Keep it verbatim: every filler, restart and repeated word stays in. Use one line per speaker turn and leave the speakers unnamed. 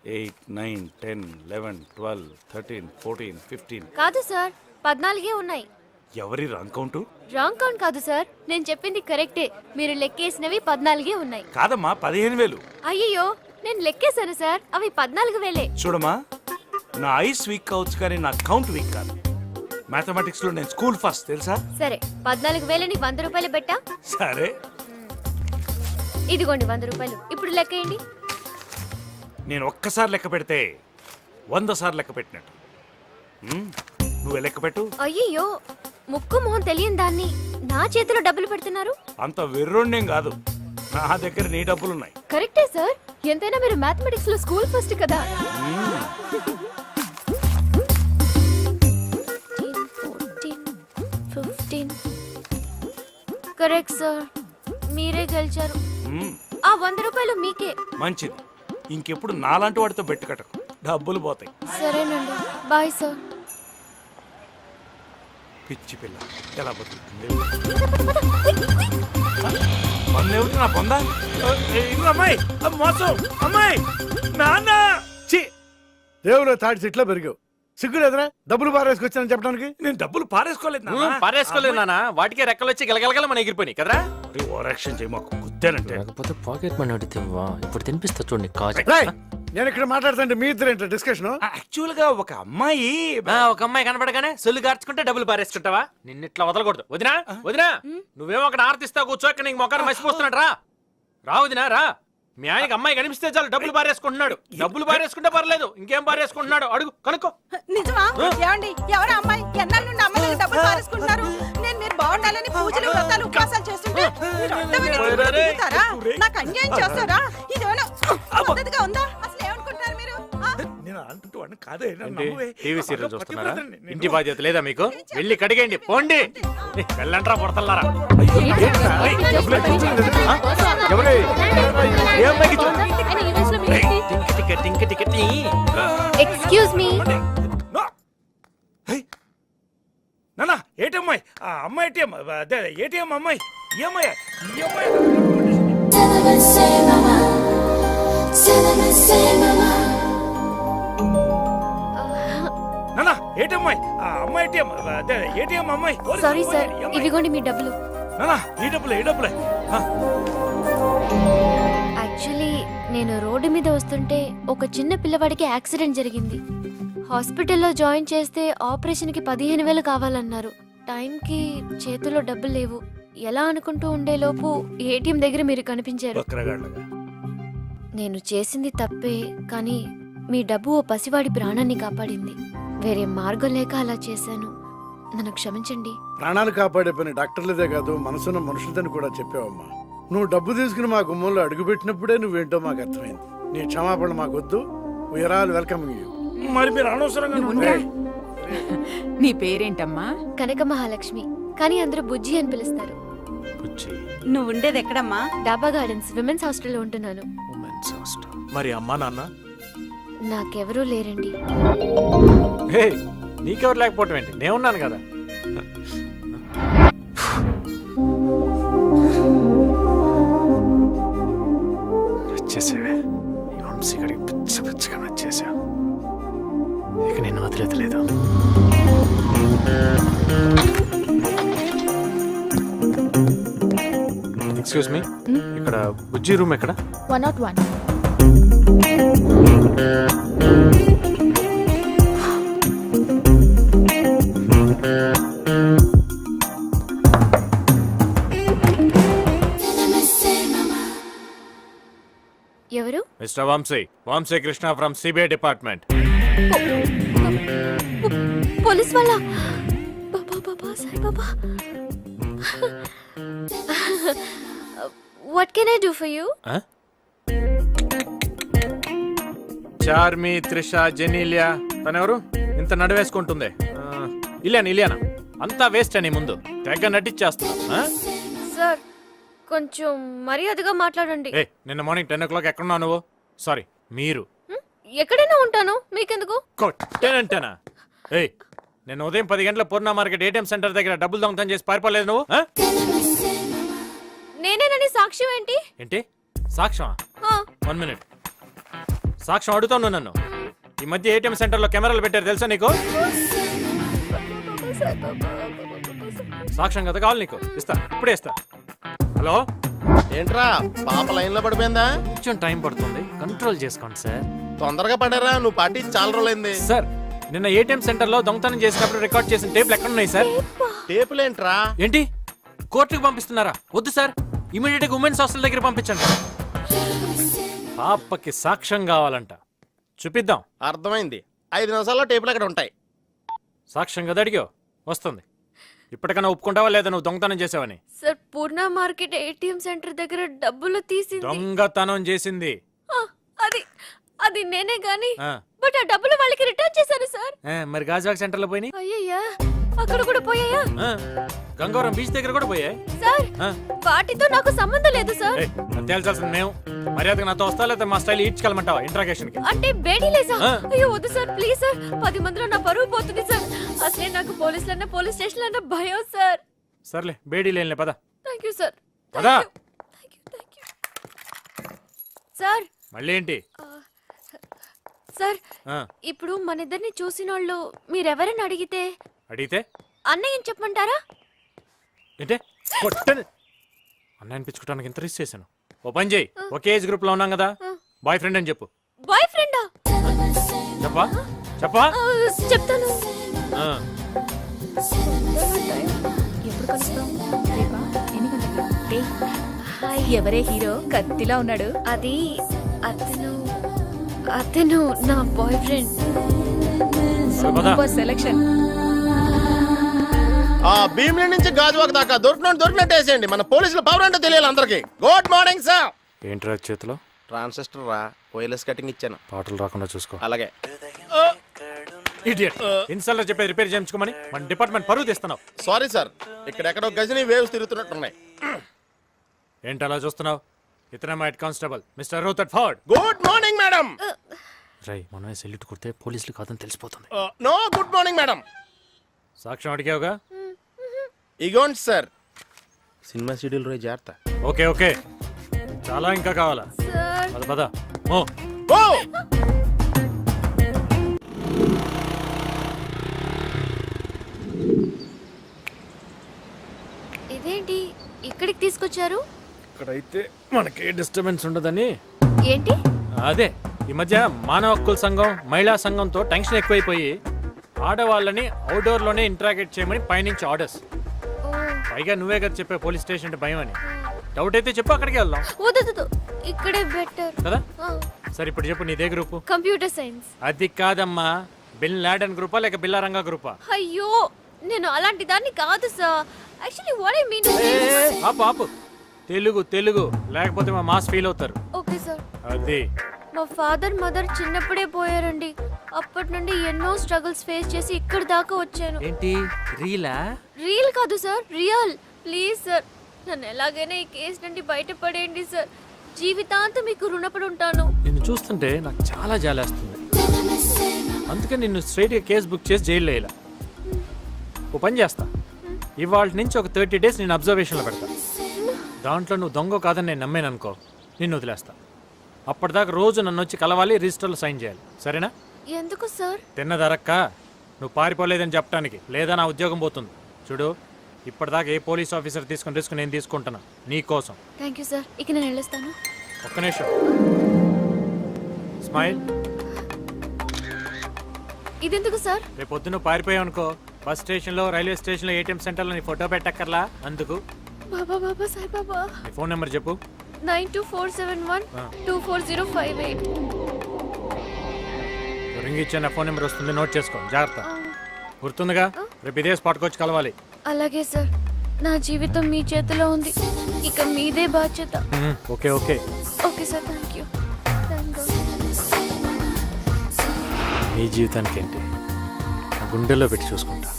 Eight nine ten eleven twelve thirteen fourteen fifteen.
కాదు sir, పద్నాలుగే ఉన్నాయి.
ఎవరి రాంగ్ కౌంటు?
రాంగ్ కౌంట్ కాదు సార్, నేను చెప్పింది కరెక్టే. మీరు లెక్కేసినవి పద్నాలుగే ఉన్నాయి.
కాదమ్మా, పదిహేను వేలు.
అయ్యో, నేను లెక్కేశాను సార్, అవి పద్నాలుగు వేలే.
చూడమ్మా, నా ఐస్ వీక్ కావచ్చు కానీ నా కౌంట్ వీక్ కాదు. మ్యాథమెటిక్స్ లో నేను స్కూల్ ఫస్ట్, తెలుసా?
సరే, పద్నాలుగు వేలని వంద రూపాయలు పెట్టా.
సరే,
ఇదిగోండి వంద రూపాయలు. ఇప్పుడు లెక్కేయండి.
నేను ఒక్కసారి లెక్క పెడితే వంద సార్లు లెక్క పెట్టినట్టు. ఉమ్, నువ్వే లెక్క పెట్టు.
అయ్యో, ముక్కు మొహం తెలియని దాన్ని నా చేతిలో డబ్బులు పెడుతున్నారు.
అంత వెర్రోణ్యం కాదు, నా దగ్గర నీ డబ్బులున్నాయి.
కరెక్టే సార్, ఎంతైనా మీరు మ్యాథమెటిక్స్ లో స్కూల్ ఫస్ట్ కదా. కరెక్ట్ సార్, మీరే గెలిచారు.
ఉమ్,
ఆ వంద రూపాయలు మీకే.
మంచిది. ఇంకెప్పుడు నాలాంటి వాడితో బెట్టు కట్టకు, డబ్బులు పోతాయి.
సరేనండి, బాయ్ సార్.
పిచ్చి పిల్ల ఎలా బతుకుతుంది? పన్నేమిటి నా పొందా? అమ్మాయి మోసం, అమ్మాయి నాన్న. ఛీ,
దేవుడు తాటి చెట్లో పెరిగావు, సిగ్గు లేదురా డబ్బులు పారేసుకొచ్చానని చెప్పడానికి?
నేను డబ్బులు పారేసుకోలేదు నాన్న.
పారేసుకోలేదు నాన్న, వాటికే రెక్కలు వచ్చి గలగలగల మన ఎగిరిపోయినాయి కదరా.
ఓవరాక్షన్ చేయి, మాకు గుద్దానంటే.
లేకపోతే పాకెట్ మనీ అడిగితే ఇప్పుడు తినిపిస్తా చూడండి కాజు.
రేయ్, నేను ఇక్కడ మాట్లాడుతుంటే మీ ఇద్దరు ఏంటో డిస్కషన్?
యాక్చువల్ గా ఒక అమ్మాయి
ఒక అమ్మాయి కనపడగానే సొల్లు గార్చుకుంటే డబ్బులు పారేసుకుంటావా? నిన్నిట్లా వదలకూడదు. వదినా వదినా, నువ్వేమో అక్కడ ఆర్తిస్తా కూర్చో, ఇక్కడ నీకు మొక్కను మసిపోస్తున్నాడు. రా రా వదినా రా. మీ ఆయనకి అమ్మాయి కనిపిస్తే చాలు డబ్బులు పారేసుకుంటున్నాడు. డబ్బులు పారేసుకుంటే పర్లేదు, ఇంకేం పారేసుకుంటున్నాడు అడుగు, కనుక్కో.
నిజమా? ఏమండి, ఎవరు అమ్మాయి? ఎన్నాళ్ళ నుండి అమ్మాయిలకు డబ్బులు పారేసుకుంటున్నారు? నేను మీరు బాగుండాలని పూజలు వ్రతాలు ఉపవాసాలు చేస్తుంటే మీరు అడ్డమని ఎప్పుడు తిరుగుతారా? నాకు అన్యాయం చేస్తారా? ఇదేమైనా పద్ధతిగా ఉందా? అసలు ఏమనుకుంటున్నారు మీరు? ఆ?
నేను అంటుంటూ అన్న కాదే.
టీవీ సీరియల్ చూస్తున్నారా? ఇంటి బాధ్యత లేదా మీకు? వెళ్ళి కడిగేయండి, పోండి. వెళ్ళంట్రా పొడతల్లారా.
Excuse me.
నాన్న, ఏటమ్మాయి? ఆ అమ్మాయి ఏటీఎం, అదే ఏటీఎం అమ్మాయి. ఈ అమ్మాయి, ఈ అమ్మాయి. నాన్న, ఏటమ్మాయి? ఆ అమ్మాయి ఏటీఎం, అదే ఏటీఎం అమ్మాయి.
సారీ సార్, ఇవిగోండి మీ డబ్బులు.
నాన్న, ఈ డబ్బులే, ఈ డబ్బులే.
యాక్చువల్లీ నేను రోడ్డు మీద వస్తుంటే ఒక చిన్న పిల్లవాడికి యాక్సిడెంట్ జరిగింది. హాస్పిటల్లో జాయిన్ చేస్తే ఆపరేషన్కి పదిహేను వేలు కావాలన్నారు. టైంకి చేతిలో డబ్బులు లేవు. ఎలా అనుకుంటూ ఉండేలోపు ఏటీఎం దగ్గర మీరు కనిపించారు. నేను చేసింది తప్పే, కానీ మీ డబ్బు ఓ పసివాడి ప్రాణాన్ని కాపాడింది. వేరే మార్గం లేక అలా చేశాను. నన్ను క్షమించండి.
ప్రాణాలు కాపాడే పని డాక్టర్లదే కాదు, మనసున్న మనుషులదని కూడా చెప్పావమ్మా. నువ్వు డబ్బు తీసుకుని మా గుమ్మంలో అడుగుపెట్టినప్పుడే నువ్వేంటో మాకు అర్థమైంది. నీ క్షమాపణ మాకొద్దు. We are all welcoming you.
మరి మీరు అనవసరంగా.
నీ పేరేంటమ్మా?
కనక మహాలక్ష్మి, కానీ అందరూ బుజ్జి అని పిలుస్తారు.
నువ్వు ఉండేది ఎక్కడమ్మా?
డాబా గార్డెన్స్ విమెన్స్ హాస్టల్లో ఉంటున్నాను.
మరి అమ్మా నాన్న?
నాకెవరూ లేరండి.
హే, నీకెవరు లేకపోవటం ఏంటి? నేను ఉన్నాను కదా. వచ్చేసేవే, ఈ వంశీగడికి పిచ్చ పిచ్చగా నచ్చేసా. ఇక నేను వదిలేదలేదు. ఎక్స్క్యూజ్ మీ, ఇక్కడ బుజ్జి రూమ్ ఎక్కడ?
One not one. ఎవరు?
Mister Vamsi, Vamsi Krishna from CBI department.
Police వాళ్ళ? Baba Baba Sai Baba. What can I do for you?
Charmi, Trisha, Genelia, తనెవరు ఇంత నడివేసుకుంటుంది? ఇలియానా ఇలియానా అంతా వేస్ట్ అని ముందు తెగ నటిచ్చేస్తున్నా.
సార్, కొంచెం మర్యాదగా మాట్లాడండి.
ఏ, నిన్న మార్నింగ్ టెన్ ఓ క్లాక్ ఎక్కడున్నావు నువ్వు? సారీ, మీరు.
ఎక్కడైనా ఉంటాను, మీకెందుకు?
కొట్టేనంటేనా? ఏయ్, నేను ఉదయం పది గంటల పూర్ణ మార్కెట్ ఏటీఎం సెంటర్ దగ్గర డబ్బులు దొంగతనం చేసి పారిపోలేదు నువ్వు?
నేనేనని సాక్ష్యం ఏంటి?
ఏంటి సాక్ష్యం?
ఆ.
One minute. సాక్ష్యం అడుగుతాను నన్ను. ఈ మధ్య ఏటీఎం సెంటర్లో కెమెరాలు పెట్టారు తెలుసా నీకు? సాక్ష్యం కదా కావాలి నీకు? ఇస్తా, ఇప్పుడే ఇస్తా. హలో,
ఏంట్రా పాప లైన్ లో పడిపోయిందా?
కొంచెం టైం పడుతుంది, కంట్రోల్ చేసుకోండి సార్.
తొందరగా పడారా, నువ్వు పార్టీ చాలా రోజులైంది.
సార్, నిన్న ఏటీఎం సెంటర్ లో దొంగతనం చేసినప్పుడు రికార్డ్ చేసిన టేపులు ఎక్కడ ఉన్నాయి సార్?
టేపులేంట్రా?
ఏంటి, కోర్టుకు పంపిస్తున్నారా? వద్దు సార్, ఇమీడియట్ గా ఉమెన్స్ హాస్టల్ దగ్గర పంపించండి. పాపకి సాక్ష్యం కావాలంట, చూపిద్దాం.
అర్థమైంది. ఐదు నిమిషాల్లో టేపులు అక్కడ ఉంటాయి.
సాక్ష్యం కదా అడిగావు, వస్తుంది. ఇప్పటికైనా ఒప్పుకుంటావా లేదా నువ్వు దొంగతనం చేసావని?
Sir Purna market ATM centre దగ్గర డబ్బులు తీసింది
దొంగతనం చేసింది
ఆ, అది అది నేనే గాని
ఆ.
బట్ ఆ డబ్బులు వాళ్ళకి రిటర్న్ చేశాను సార్.
ఏ, మరి గాజువాక్ సెంటర్ లో పోయినాయి.
అయ్యయ్యా, అక్కడ కూడా పోయాయా?
ఆ, గంగవరం బీచ్ దగ్గర కూడా పోయాయి.
సార్
ఆ.
వాటితో నాకు సంబంధం లేదు సార్.
ఏయ్, అది తేల్చాల్సింది మేము. మర్యాదగా నాతో వస్తా లేదా మా స్టైల్ ఈడ్చుకెళ్ళమంటావా ఇంట్రాగేషన్ కి?
అంటే బేడీలేసా?
ఆ.
అయ్యో వద్దు సార్, ప్లీజ్ సార్. పది మందిలో నా పరువు పోతుంది సార్. అసలే నాకు పోలీసులన్నా పోలీస్ స్టేషన్ అన్న భయం సార్.
సర్లే, బేడీ లేనిలే పద.
Thank you sir.
పదా.
Thank you, thank you. Sir
మళ్ళీ ఏంటి?
సార్
ఆ,
ఇప్పుడు మన ఇద్దరిని చూసిన వాళ్ళు మీరెవరని అడిగితే
అడిగితే
అన్నయ్యని చెప్పమంటారా?
ఏంటే కొట్టని అన్న అనిపించుకోవడానికి ఇంత రిస్క్ చేశాను. ఓ పని చేయి, ఒకే ఏజ్ గ్రూప్ లో ఉన్నాం కదా, బాయ్ ఫ్రెండ్ అని చెప్పు.
బాయ్ ఫ్రెండా?
చెప్పా చెప్పా
చెప్తాను.
ఆ,
ఎప్పుడు కలుస్తాం? రేపా? ఎన్ని గంటలకి? ఏయ్, హాయ్, ఎవరే హీరో కత్తిలా ఉన్నాడు?
అది అతను అతను నా బాయ్ ఫ్రెండ్.
పద.
Super selection.
ఆ భీమిలి నుంచి గాజువాక దాకా దొరికినట్టు దొరికినట్టు వేసేయండి. మన పోలీసుల పవర్ అంటే తెలియాలి అందరికి. Good morning sir.
ఏంట్రా చేతిలో?
ట్రాన్సిస్టర్ రా, వైర్లెస్ కటింగ్ ఇచ్చాను.
పాటలు రాకుండా చూసుకో.
అలాగే.
ఇడియట్, ఇన్స్టాల్లో చెప్పేది రిపేర్ చేయించుకోమని మన డిపార్ట్మెంట్ పరువు తీస్తున్నావు.
సారీ సార్, ఇక్కడెక్కడో గజని వేవ్స్ తిరుగుతున్నట్టున్నాయి.
ఏంటి అలా చూస్తున్నావు? ఇతనే మా head constable mister Rutherford.
Good morning madam.
రై, మనమే సెల్యూట్ కొడితే పోలీసులు కాదని తెలిసిపోతుంది.
No good morning madam.
సాక్ష్యం అడిగావుగా?
ఇగోండి సార్, సినిమా షెడ్యూల్ రోజు జాగ్రత్త.
ఓకే ఓకే, చాలా ఇంకా కావాలా?
సార్
పద పద. ఓ
ఓ
ఇదేంటి ఇక్కడికి తీసుకొచ్చారు?
ఇక్కడైతే మనకి డిస్టర్బెన్స్ ఉండదని.
ఏంటి?
అదే, ఈ మధ్య మానవ హక్కుల సంఘం మహిళా సంఘంతో టెన్షన్ ఎక్కువైపోయి ఆడవాళ్ళని అవుట్డోర్ లోనే ఇంటరాగేట్ చేయమని పైనుంచి ఆర్డర్స్.
ఓ,
పైగా నువ్వే కదా చెప్పే పోలీస్ స్టేషన్ అంటే భయం అని. డౌట్ అయితే చెప్పు, అక్కడికి వెళ్దాం
వద్దు వద్దు, ఇక్కడే బెటర్.
కదా. సరే ఇప్పుడు చెప్పు, నీదే గ్రూపు?
Computer science.
అది కాదమ్మా, బిన్ లాడెన్ గ్రూపా లేక బిల్లారంగా గ్రూపా?
అయ్యో, నేను అలాంటి దాన్ని కాదు sir. Actually what I mean.
ఆపు ఆపు, తెలుగు తెలుగు, లేకపోతే మా మాస్ ఫీల్ అవుతారు.
Okay sir.
అది
మా ఫాదర్ మదర్ చిన్నప్పుడే పోయారండి. అప్పటి నుండి ఎన్నో స్ట్రగుల్స్ ఫేస్ చేసి ఇక్కడ దాకా వచ్చాను.
ఏంటి, రీలా?
రియల్ కాదు సార్, రియల్. ప్లీజ్ సార్, నన్ను ఎలాగైనా ఈ కేసు నుండి బయటపడేయండి సార్. జీవితాంతం మీకు రుణపడి ఉంటాను.
నిన్ను చూస్తుంటే నాకు చాలా జాలేస్తుంది. అందుకే నిన్ను స్ట్రైట్గా కేసు బుక్ చేసి జైల్లో వేయాల. ఓ పని చేస్తా, ఇవాళ నుంచి ఒక థర్టీ డేస్ నేను అబ్జర్వేషన్లో పెడతా. దాంట్లో నువ్వు దొంగ కాదని నేను నమ్మాను అనుకో, నిన్ను వదిలేస్తా. అప్పటిదాకా రోజు నన్ను వచ్చి కలవాలి, రిజిస్టర్లో సైన్ చేయాలి, సరేనా?
ఎందుకు సార్?
తిన్నదరక్క, నువ్వు పారిపోలేదని చెప్పడానికి, లేదా నా ఉద్యోగం పోతుంది. చూడు, ఇప్పటిదాకా ఏ పోలీస్ ఆఫీసర్ తీసుకుని రిస్క్ నేను తీసుకుంటున్నా నీ కోసం.
థ్యాంక్ యూ సార్, ఇక నేను వెళ్ళొస్తాను.
ఒక్క నిమిషం, స్మైల్.
ఇదెందుకు సార్?
రేపు పొద్దున్న పారిపోయావు అనుకో, బస్ స్టేషన్లో, రైల్వే స్టేషన్లో, ఏటీఎం సెంటర్లో నీ ఫోటో పెట్టక్కర్లా. అందుకు
బాబా బాబా సాయి బాబా.
నీ ఫోన్ నెంబర్ చెప్పు.
Nine two four seven one two four zero five eight.
Ring ఇచ్చే నా ఫోన్ నెంబర్ వస్తుంది, నోట్ చేసుకో జాగ్రత్త. గుర్తుందిగా? రేపు ఇదే స్పాట్కి వచ్చి కలవాలి.
అలాగే సార్, నా జీవితం మీ చేతిలో ఉంది, ఇక మీదే బాధ్యత.
మ్మ్, okay okay.
Okay sir, thank you.
నీ జీవితానికి ఏంటి, నా గుండెల్లో పెట్టి చూసుకుంటా.